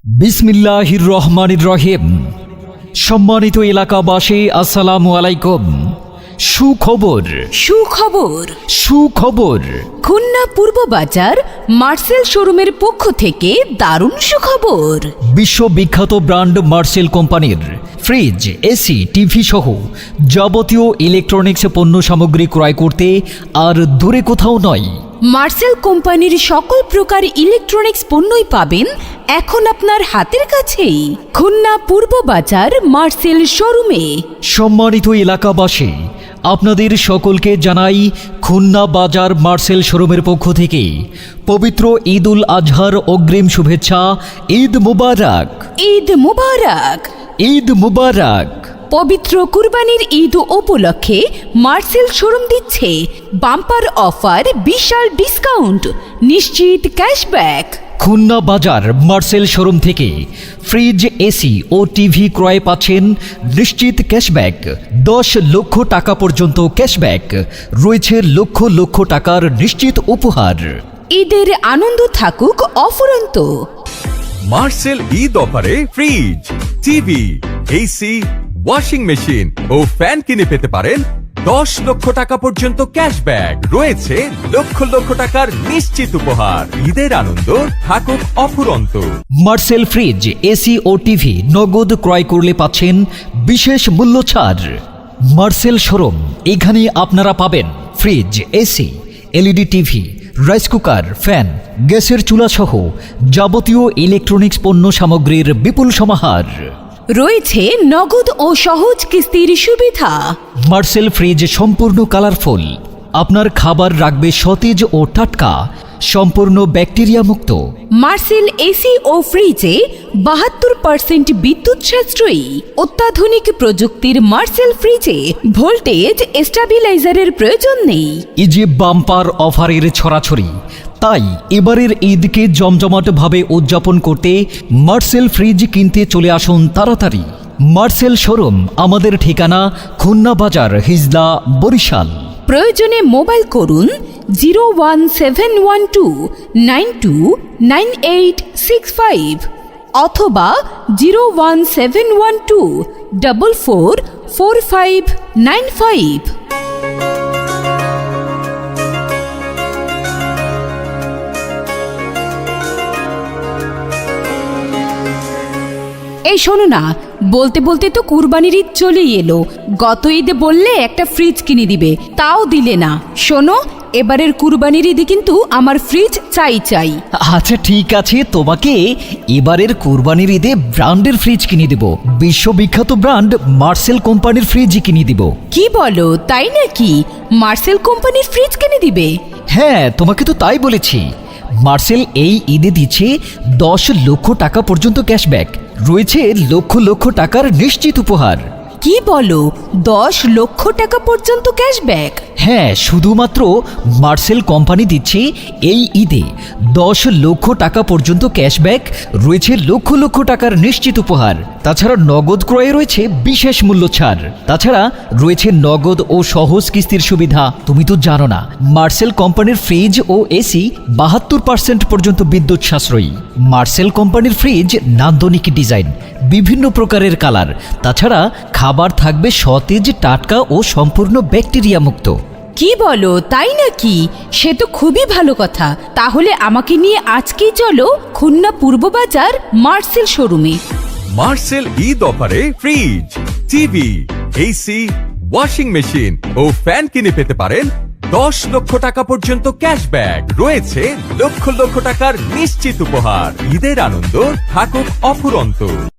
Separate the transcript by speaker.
Speaker 1: বিসমিল্লাহির রহমানির রহিম। সম্মানিত এলাকাবাসী, আসসালামু আলাইকুম। সুখবর
Speaker 2: সুখবর
Speaker 1: সুখবর
Speaker 2: খুলনা পূর্ব বাজার মার্সেল শোরুমের পক্ষ থেকে দারুণ সুখবর।
Speaker 1: বিশ্ববিখ্যাত ব্র্যান্ড মার্সেল কোম্পানির ফ্রিজ, এসি, টিভি সহ যাবতীয় ইলেকট্রনিক্স পণ্য সামগ্রী ক্রয় করতে আর দূরে কোথাও নয়।
Speaker 2: মার্সেল কোম্পানির সকল প্রকার ইলেকট্রনিক্স পণ্যই পাবেন এখন আপনার হাতের কাছেই, খুলনা পূর্ব বাজার মার্সেল শোরুমে।
Speaker 1: সম্মানিত এলাকাবাসী, আপনাদের সকলকে জানাই খুলনা বাজার মার্সেল শোরুমের পক্ষ থেকে পবিত্র ঈদ উল আজহার অগ্রিম শুভেচ্ছা। ঈদ মুবারক,
Speaker 2: ঈদ মুবারক,
Speaker 1: ঈদ মুবারক।
Speaker 2: পবিত্র কুরবানির ঈদ উপলক্ষে মার্সেল শোরুম দিচ্ছে বাম্পার অফার, বিশাল ডিসকাউন্ট, নিশ্চিত ক্যাশব্যাক।
Speaker 1: খুলনা বাজার মার্সেল শোরুম থেকে ফ্রিজ, এসি ও টিভি ক্রয়ে পাচ্ছেন নিশ্চিত ক্যাশব্যাক। 10 লক্ষ টাকা পর্যন্ত ক্যাশব্যাক রয়েছে, লক্ষ লক্ষ টাকার নিশ্চিত উপহার।
Speaker 2: ঈদের আনন্দ থাকুক অফুরন্ত।
Speaker 3: মার্সেল ঈদ অফারে fridge, TV, AC, washing machine ও ফ্যান কিনে পেতে পারেন 10 লক্ষ টাকা পর্যন্ত ক্যাশব্যাক। রয়েছে লক্ষ লক্ষ টাকার নিশ্চিত উপহার। ঈদের আনন্দ থাকুক অফুরন্ত।
Speaker 1: মার্সেল ফ্রিজ, এসি ও টিভি নগদ ক্রয় করলে পাচ্ছেন বিশেষ মূল্য ছাড়। মার্সেল শোরুম, এখানে আপনারা পাবেন fridge, AC, LED TV, rice cooker, fan, গ্যাসের চুলা সহ যাবতীয় ইলেকট্রনিক্স পণ্য সামগ্রীর বিপুল সমাহার।
Speaker 2: রয়েছে নগদ ও সহজ কিস্তির সুবিধা।
Speaker 1: মার্সেল ফ্রিজ সম্পূর্ণ কালারফুল, আপনার খাবার রাখবে সতেজ ও টাটকা, সম্পূর্ণ ব্যাকটেরিয়া মুক্ত।
Speaker 2: মার্সেল এসি ও ফ্রিজে 72% বিদ্যুৎ সাশ্রয়ী। অত্যাধুনিক প্রযুক্তির মার্সেল ফ্রিজে ভোল্টেজ স্টেবিলাইজারের প্রয়োজন নেই।
Speaker 1: এই যে বাম্পার অফারের ছড়াছড়ি, তাই এবারের ঈদকে জমজমাটভাবে উদযাপন করতে মার্সেল ফ্রিজ কিনতে চলে আসুন তাড়াতাড়ি। মার্সেল শোরুম, আমাদের ঠিকানা খুলনা বাজার, হিজলা, বরিশাল।
Speaker 2: প্রয়োজনে মোবাইল করুন 01712929865 অথবা 01712444595। এই শোনো না, বলতে বলতে তো কুরবানির ঈদ চলেই এলো। গত ঈদে বললে একটা ফ্রিজ কিনে দিবে, তাও দিলে না। শোনো, এবারের কুরবানির ঈদে কিন্তু আমার ফ্রিজ চাই চাই।
Speaker 1: আচ্ছা ঠিক আছে, তোমাকে এবারের কুরবানির ঈদে ব্র্যান্ডের ফ্রিজ কিনে দেব। বিশ্ববিখ্যাত ব্র্যান্ড মার্সেল কোম্পানির ফ্রিজ কিনে দিব।
Speaker 2: কি বলো, তাই নাকি? মার্সেল কোম্পানির ফ্রিজ কিনে দিবে?
Speaker 1: হ্যাঁ, তোমাকে তো তাই বলেছি। মার্সেল এই ঈদে দিচ্ছে 10 লক্ষ টাকা পর্যন্ত ক্যাশব্যাক, রয়েছে লক্ষ লক্ষ টাকার নিশ্চিত উপহার।
Speaker 2: কি বলো, 10 লক্ষ টাকা পর্যন্ত ক্যাশব্যাক?
Speaker 1: হ্যাঁ, শুধুমাত্র মার্সেল কোম্পানি দিচ্ছে এই ঈদে 10 লক্ষ টাকা পর্যন্ত ক্যাশব্যাক, রয়েছে লক্ষ লক্ষ টাকার নিশ্চিত উপহার। তাছাড়া নগদ ক্রয়ে রয়েছে বিশেষ মূল্য ছাড়। তাছাড়া রয়েছে নগদ ও সহজ কিস্তির সুবিধা। তুমি তো জানো না, মার্সেল কোম্পানির ফ্রিজ ও এসি 72% পর্যন্ত বিদ্যুৎ সাশ্রয়ী। মার্সেল কোম্পানির ফ্রিজ নান্দনিক ডিজাইন, বিভিন্ন প্রকারের কালার। তাছাড়া খাবার থাকবে সতেজ, টাটকা ও সম্পূর্ণ ব্যাকটেরিয়া মুক্ত।
Speaker 2: কি বলো, তাই নাকি? সে তো খুবই ভালো কথা। তাহলে আমাকে নিয়ে আজকেই চলো খুলনা পূর্ব বাজার মার্সেল শোরুমে।
Speaker 3: মার্সেল ঈদ অফারে fridge, TV, AC, washing machine ও ফ্যান কিনে পেতে পারেন 10 লক্ষ টাকা পর্যন্ত ক্যাশব্যাক। রয়েছে লক্ষ লক্ষ টাকার নিশ্চিত উপহার। ঈদের আনন্দ থাকুক অফুরন্ত।